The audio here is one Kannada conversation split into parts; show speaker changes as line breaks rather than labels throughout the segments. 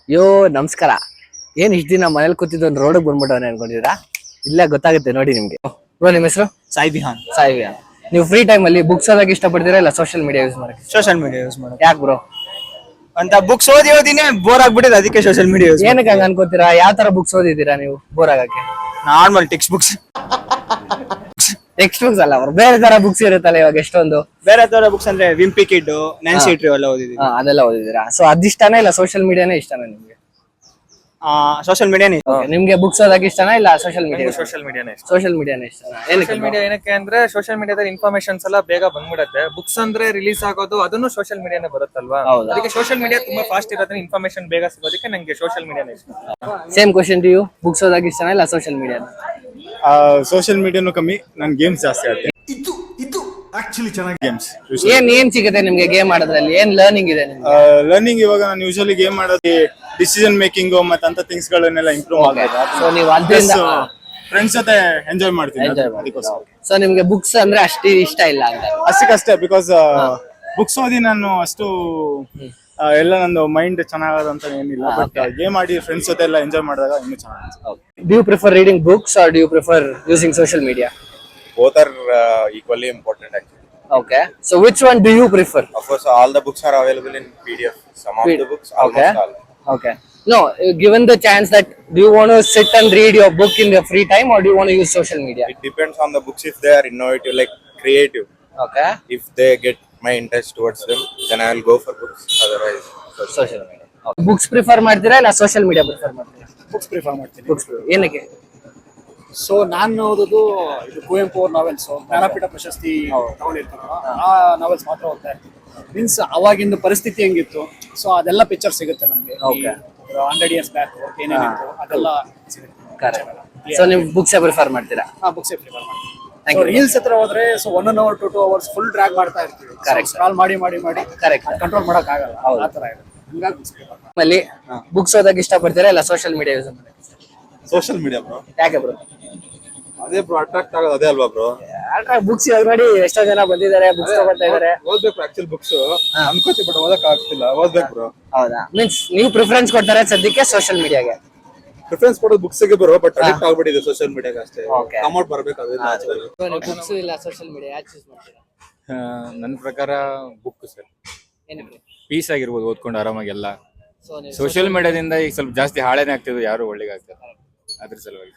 ಯೋ ನಮಸ್ಕಾರ. ಏನ್ ಇಷ್ಟ ದಿನ ಮನೇಲಿ ಕೂತಿದ್ದು ಒಂದು ರೋಡ್ ಬಂದ್ಬಿಟ್ಟವನೆ ಅನ್ಕೊಂಡಿದ್ದೀರಾ? ಇಲ್ಲ, ಗೊತ್ತಾಗುತ್ತೆ ನೋಡಿ ನಿಮ್ಗೆ. ಬ್ರೋ, ನಿಮ್ಮ ಹೆಸರು?
ಸಾಯಿ ಬಿಹಾನ್.
ನೀವು ಫ್ರೀ ಟೈಮ್ ಅಲ್ಲಿ ಬುಕ್ಸ್ ಓದಕ್ಕೆ ಇಷ್ಟಪಡ್ತೀರಾ ಇಲ್ಲ ಸೋಷಿಯಲ್ ಮೀಡಿಯಾ ಯೂಸ್ ಮಾಡಕ್ಕೆ?
ಸೋಷಿಯಲ್ ಮೀಡಿಯಾ ಯೂಸ್ ಮಾಡೋದು.
ಯಾಕೆ ಬ್ರೋ?
ಅಂತ ಬುಕ್ಸ್ ಓದಿನೇ ಬೋರ್ ಆಗ್ಬಿಟ್ಟಿದೆ, ಅದಕ್ಕೆ ಸೋಷಿಯಲ್ ಮೀಡಿಯಾ ಯೂಸ್.
ಏನಕ್ಕೆ ಹಂಗ ಅನ್ಕೋತೀರಾ? ಯಾವ ತರ ಬುಕ್ಸ್ ಓದಿದ್ದೀರಾ ನೀವು ಬೋರ್ ಆಗಕ್ಕೆ?
ನಾರ್ಮಲ್ ಟೆಕ್ಸ್ಟ್ ಬುಕ್ಸ್
ಅಲ್ಲ ಬ್ರೋ, ಬೇರೆ ತರ ಬುಕ್ಸ್ ಇರುತ್ತಲ್ಲ ಇವಾಗ ಎಷ್ಟೊಂದು.
ಬೇರೆ ತರ ಬುಕ್ಸ್ ಅಂದ್ರೆ ವಿಂಪಿ ಕಿಡ್, ನ್ಯಾನ್ಸಿ ಟ್ರೀ ಎಲ್ಲ ಓದಿದೀನಿ.
ಅದೆಲ್ಲ ಓದಿದ್ದೀರಾ? ಸೊ ಅದಿಷ್ಟನಾ ಇಲ್ಲ ಸೋಷಿಯಲ್ ಮೀಡಿಯಾನೇ ಇಷ್ಟನಾ ನಿಮ್ಗೆ?
ಸೋಷಿಯಲ್ ಮೀಡಿಯಾನೇ.
ನಿಮ್ಗೆ ಬುಕ್ಸ್ ಓದಕ್ಕೆ ಇಷ್ಟನಾ ಇಲ್ಲ ಸೋಷಿಯಲ್ ಮೀಡಿಯಾ?
ಸೋಷಿಯಲ್ ಮೀಡಿಯಾನೇ ಇಷ್ಟ.
ಸೋಷಿಯಲ್ ಮೀಡಿಯಾನೇ ಇಷ್ಟನಾ?
ಸೋಷಿಯಲ್ ಮೀಡಿಯಾ ಏನಕ್ಕೆ ಅಂದ್ರೆ ಸೋಷಿಯಲ್ ಮೀಡಿಯಾದಲ್ಲಿ ಇನ್ಫಾರ್ಮೇಶನ್ಸ್ ಎಲ್ಲ ಬೇಗ ಬಂದ್ಬಿಡುತ್ತೆ. ಬುಕ್ಸ್ ಅಂದ್ರೆ ರಿಲೀಸ್ ಆಗೋದು ಅದನ್ನು ಸೋಷಿಯಲ್ ಮೀಡಿಯಾನೇ ಬರುತ್ತಲ್ವಾ, ಅದಕ್ಕೆ ಸೋಷಿಯಲ್ ಮೀಡಿಯಾ ತುಂಬಾ ಫಾಸ್ಟ್ ಇರೋದ್ರಿಂದ ಇನ್ಫಾರ್ಮೇಶನ್ ಬೇಗ ಸಿಗೋದಕ್ಕೆ ನಂಗೆ ಸೋಷಿಯಲ್ ಮೀಡಿಯಾನೇ ಇಷ್ಟ.
Same question to you, books ಓದಕ್ಕೆ ಇಷ್ಟನಾ ಇಲ್ಲ ಸೋಷಿಯಲ್ ಮೀಡಿಯಾನ?
ಸೋಷಿಯಲ್ ಮೀಡಿಯಾನು ಕಮ್ಮಿ, ನಾನು ಗೇಮ್ಸ್ ಜಾಸ್ತಿ ಆಡ್ತೀನಿ. ಇದು ಆಕ್ಚುಲಿ ಚೆನ್ನಾಗಿ ಗೇಮ್ಸ್.
ಏನ್ ಸಿಗುತ್ತೆ ನಿಮ್ಗೆ ಗೇಮ್ ಆಡೋದ್ರಲ್ಲಿ? ಏನ್ ಲರ್ನಿಂಗ್ ಇದೆ ನಿಮ್ಗೆ?
ಲರ್ನಿಂಗ್ ಇವಾಗ ನಾನು ಯೂಶಲಿ ಗೇಮ್ ಮಾಡೋದು ಡಿಸಿಷನ್ ಮೇಕಿಂಗ್ ಮತ್ತೆ ಅಂತ ಥಿಂಗ್ಸ್ ಗಳನ್ನೆಲ್ಲ ಇಂಪ್ರೂವ್ ಆಗುತ್ತೆ.
ಸೊ ನೀವು ಅದರಿಂದ
ಫ್ರೆಂಡ್ಸ್ ಜೊತೆ ಎಂಜಾಯ್ ಮಾಡ್ತೀನಿ ಅದಕ್ಕೋಸ್ಕರ.
ಸೊ ನಿಮ್ಗೆ ಬುಕ್ಸ್ ಅಂದ್ರೆ ಅಷ್ಟು ಇಷ್ಟ ಇಲ್ಲ ಅಂತ?
ಅಷ್ಟಕ್ಕಷ್ಟೇ, ಬಿಕಾಸ್ ಬುಕ್ಸ್ ಓದಿ ನಾನು ಅಷ್ಟು ಎಲ್ಲ ನಂದು ಮೈಂಡ್ ಚೆನ್ನಾಗದಂತ ಏನಿಲ್ಲ. ಬಟ್ ಗೇಮ್ ಆಡಿ ಫ್ರೆಂಡ್ಸ್ ಜೊತೆ ಎಲ್ಲ ಎಂಜಾಯ್ ಮಾಡಿದಾಗ ಇನ್ನೂ ಚೆನ್ನಾಗಿ.
Do you prefer reading books or do you prefer using social media?
Both are equally important actually.
Okay. So which one do you prefer?
Of course, all the books are available in PDF. Some of the books, almost all.
Okay. No, given the chance that do you want to sit and read your book in your free time or do you want to use social media?
It depends on the books. If they are innovative, like creative,
Okay.
if they get my interest towards them, then I will go for books. Otherwise,
Social media. Okay. Books prefer ಮಾಡ್ತೀರಾ ಇಲ್ಲ social media prefer ಮಾಡ್ತೀರಾ?
ಬುಕ್ಸ್ ಪ್ರಿಫರ್ ಮಾಡ್ತೀನಿ.
Books. ಏನಕ್ಕೆ?
ಸೊ ನಾನು ಓದೋದು ಇದು ಕುವೆಂಪು ಅವ್ರ ನಾವೆಲ್ಸ್, ಜ್ಞಾನಪೀಠ ಪ್ರಶಸ್ತಿ ತಗೊಂಡಿರ್ತಾರಲ್ಲ ಆ ನಾವೆಲ್ಸ್ ಮಾತ್ರ ಓದ್ತಾ ಇರ್ತೀನಿ. ಮೀನ್ಸ್ ಅವಾಗಿಂದ ಪರಿಸ್ಥಿತಿ ಹೆಂಗಿತ್ತು, ಸೊ ಅದೆಲ್ಲ ಪಿಕ್ಚರ್ ಸಿಗುತ್ತೆ ನಮಗೆ. 100 years ಬ್ಯಾಕ್ ಏನೇನಿತ್ತು ಅದೆಲ್ಲ ಸಿಗುತ್ತೆ.
ಸೊ ನೀವು ಬುಕ್ಸ್ ಪ್ರಿಫರ್ ಮಾಡ್ತೀರಾ?
ಬುಕ್ಸೇ ಪ್ರಿಫರ್ ಮಾಡ್ತೀನಿ. ರೀಲ್ಸ್ ಹತ್ರ ಹೋದ್ರೆ so 1 hour to 2 hours full drag ಮಾಡ್ತಾ ಇರ್ತೀವಿ. ಸ್ಕ್ರಾಲ್ ಮಾಡಿ ಕಂಟ್ರೋಲ್ ಮಾಡಕ್ ಆಗಲ್ಲ, ಆ ತರ ಇದೆ. ಹಂಗಾಗಿ ಬುಕ್ಸ್ ಪ್ರಿಫರ್ ಮಾಡ್ತೀನಿ.
ಅಲ್ಲಿ ಬುಕ್ಸ್ ಓದಕ್ಕೆ ಇಷ್ಟಪಡ್ತೀರಾ ಇಲ್ಲ ಸೋಷಿಯಲ್ ಮೀಡಿಯಾ ಯೂಸ್ ಮಾಡಕ್ಕೆ?
social media, bro.
ಯಾಕೆ ಬ್ರೋ?
ಅದೇ ಬ್ರೋ, ಅಟ್ರಾಕ್ಟ್ ಆಗೋದು ಅದೇ ಅಲ್ವಾ ಬ್ರೋ?
ಬುಕ್ಸ್ ಇವಾಗ ನೋಡಿ ಎಷ್ಟೋ ಜನ ಬಂದಿದ್ದಾರೆ, ಬುಕ್ಸ್ ತಗೊಳ್ತಾ ಇದಾರೆ.
ಓದ್ಬೇಕು ಆಕ್ಚುಲಿ ಬುಕ್ಸ್ ಅನ್ಕೋತಿ, ಬಟ್ ಓದಕ್ ಆಗ್ತಿಲ್ಲ. ಓದ್ಬೇಕು ಬ್ರೋ.
ಹೌದಾ? ಮೀನ್ಸ್ ನೀವು ಪ್ರಿಫರೆನ್ಸ್ ಕೊಡ್ತಾರೆ ಸದ್ಯಕ್ಕೆ ಸೋಷಿಯಲ್ ಮೀಡಿಯಾಗೆ?
ಪ್ರಿಫರೆನ್ಸ್ ಕೊಡೋದು ಬುಕ್ಸ್ ಗೆ ಬರೋ, ಬಟ್ ಅಡಿಕ್ಟ್ ಆಗ್ಬಿಟ್ಟಿದೆ ಸೋಷಿಯಲ್ ಮೀಡಿಯಾಗೆ ಅಷ್ಟೇ. ಕಮೌಟ್ ಬರ್ಬೇಕು ಅದು.
ಬುಕ್ಸ್ ಇಲ್ಲ ಸೋಷಿಯಲ್ ಮೀಡಿಯಾ ಯಾಕೆ ಚೂಸ್ ಮಾಡ್ತೀರಾ?
ನನ್ನ ಪ್ರಕಾರ ಬುಕ್ ಸರ್.
ಏನಕ್ಕೆ?
ಪೀಸ್ ಆಗಿರ್ಬೋದು, ಓದ್ಕೊಂಡು ಆರಾಮಾಗೆಲ್ಲ. ಸೋಷಿಯಲ್ ಮೀಡಿಯಾದಿಂದ ಈಗ ಸ್ವಲ್ಪ ಜಾಸ್ತಿ ಹಾಳೇನೆ ಆಗ್ತಿದೆ, ಯಾರು ಒಳ್ಳೆಗೆ ಆಗ್ತಾರೆ ಅದ್ರ ಸಲುವಾಗಿ.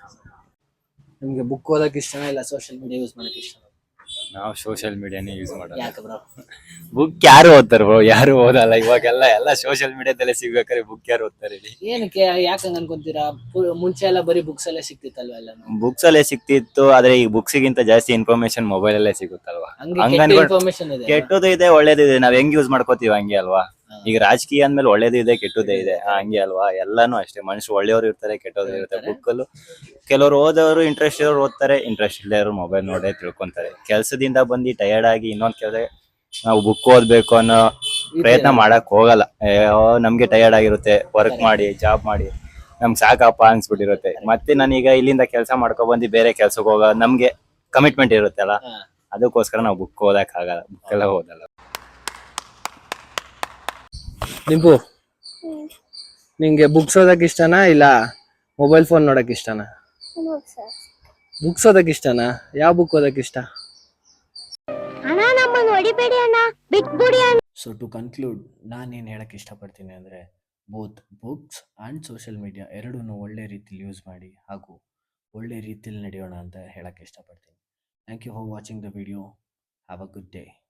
ನಿಮ್ಗೆ ಬುಕ್ ಓದಕ್ಕೆ ಇಷ್ಟನಾ ಇಲ್ಲ ಸೋಷಿಯಲ್ ಮೀಡಿಯಾ ಯೂಸ್ ಮಾಡಕ್ಕೆ ಇಷ್ಟ?
ನಾವು ಸೋಷಿಯಲ್ ಮೀಡಿಯಾನೇ ಯೂಸ್ ಮಾಡೋದು.
ಯಾಕೆ ಬ್ರೋ?
ಬುಕ್ ಯಾರು ಓದ್ತಾರೆ ಬ್ರೋ? ಯಾರು ಓದಲ್ಲ ಇವಾಗೆಲ್ಲ. ಎಲ್ಲ ಸೋಷಿಯಲ್ ಮೀಡಿಯಾದಲ್ಲೇ ಸಿಗ್ಬೇಕಾದ್ರೆ ಬುಕ್ ಯಾರು ಓದ್ತಾರೆ ಹೇಳಿ?
ಏನಕ್ಕೆ ಯಾಕೆ ಹಂಗ ಅನ್ಕೊಂತೀರಾ? ಮುಂಚೆ ಎಲ್ಲ ಬರೀ ಬುಕ್ಸ್ ಅಲ್ಲೇ ಸಿಕ್ತಿತ್ತಲ್ವಾ ಎಲ್ಲ?
ಬುಕ್ಸ್ ಅಲ್ಲೇ ಸಿಕ್ತಿತ್ತು, ಆದ್ರೆ ಈಗ ಬುಕ್ಸ್ ಗಿಂತ ಜಾಸ್ತಿ ಇನ್ಫಾರ್ಮೇಶನ್ ಮೊಬೈಲ್ ಅಲ್ಲೇ ಸಿಗುತ್ತಲ್ವಾ.
ಇನ್ಫಾರ್ಮೇಶನ್ ಇದೆ,
ಕೆಟ್ಟದ್ದು ಇದೆ ಒಳ್ಳೇದು ಇದೆ, ನಾವ್ ಹೆಂಗ್ ಯೂಸ್ ಮಾಡ್ಕೋತೀವಿ ಹಂಗೆ ಅಲ್ವಾ. ಈಗ ರಾಜಕೀಯ ಅಂದ್ಮೇಲೆ ಒಳ್ಳೇದು ಇದೆ ಕೆಟ್ಟದೇ ಇದೆ, ಹಂಗೆ ಅಲ್ವಾ. ಎಲ್ಲಾನು ಅಷ್ಟೇ, ಮನುಷ್ಯರು ಒಳ್ಳೆಯವರು ಇರ್ತಾರೆ, ಕೆಟ್ಟವರು ಇರ್ತಾರೆ. ಬುಕ್ಕಲ್ಲೂ ಕೆಲವರು ಓದೋರು ಇಂಟ್ರೆಸ್ಟ್ ಇರೋರು ಓದ್ತಾರೆ, ಇಂಟ್ರೆಸ್ಟ್ ಇಲ್ಲದವರು ಮೊಬೈಲ್ ನೋಡೇ ತಿಳ್ಕೊಂತಾರೆ. ಕೆಲ್ಸದಿಂದ ಬಂದು ಟಯರ್ಡ್ ಆಗಿ ಇನ್ನೊಂದ್ ಕೆಲಸ ನಾವು ಬುಕ್ ಓದ್ಬೇಕು ಅನ್ನೋ ಪ್ರಯತ್ನ ಮಾಡಕ್ ಹೋಗಲ್ಲ. ನಮ್ಗೆ ಟಯರ್ಡ್ ಆಗಿರುತ್ತೆ, ವರ್ಕ್ ಮಾಡಿ ಜಾಬ್ ಮಾಡಿ ನಮ್ಗೆ ಸಾಕಪ್ಪ ಅನ್ಸ್ಬಿಟ್ಟಿರುತ್ತೆ. ಮತ್ತೆ ನಾನೀಗ ಇಲ್ಲಿಂದ ಕೆಲಸ ಮಾಡ್ಕೊ ಬಂದು ಬೇರೆ ಕೆಲ್ಸಕ್ಕೆ ಹೋಗೋ ನಮ್ಗೆ ಕಮಿಟ್ಮೆಂಟ್ ಇರುತ್ತಲ್ಲ, ಅದಕ್ಕೋಸ್ಕರ ನಾವು ಬುಕ್ ಓದಕ್ ಆಗಲ್ಲ, ಬುಕ್ ಎಲ್ಲ ಓದಲ್ಲ.
ನಿಂಪು, ನಿಂಗೆ ಬುಕ್ಸ್ ಓದಕ್ ಇಷ್ಟನಾ ಇಲ್ಲ ಮೊಬೈಲ್ ಫೋನ್ ನೋಡಕ್ ಇಷ್ಟನಾ? ಬುಕ್ಸ್ ಓದಕ್ ಇಷ್ಟನಾ? ಯಾವ ಬುಕ್ ಓದಕ್ ಇಷ್ಟ? ಸೊ ಟು ಕನ್ಕ್ಲೂಡ್, ನಾನೇನು ಹೇಳಕ್ ಇಷ್ಟಪಡ್ತೀನಿ ಅಂದರೆ, both books and social media ಎರಡೂ ಒಳ್ಳೆ ರೀತಿಲಿ ಯೂಸ್ ಮಾಡಿ ಹಾಗೂ ಒಳ್ಳೆ ರೀತಿಲಿ ನಡೆಯೋಣ ಅಂತ ಹೇಳಕ್ಕೆ ಇಷ್ಟಪಡ್ತೀನಿ. Thank you for watching the video. Have a good day.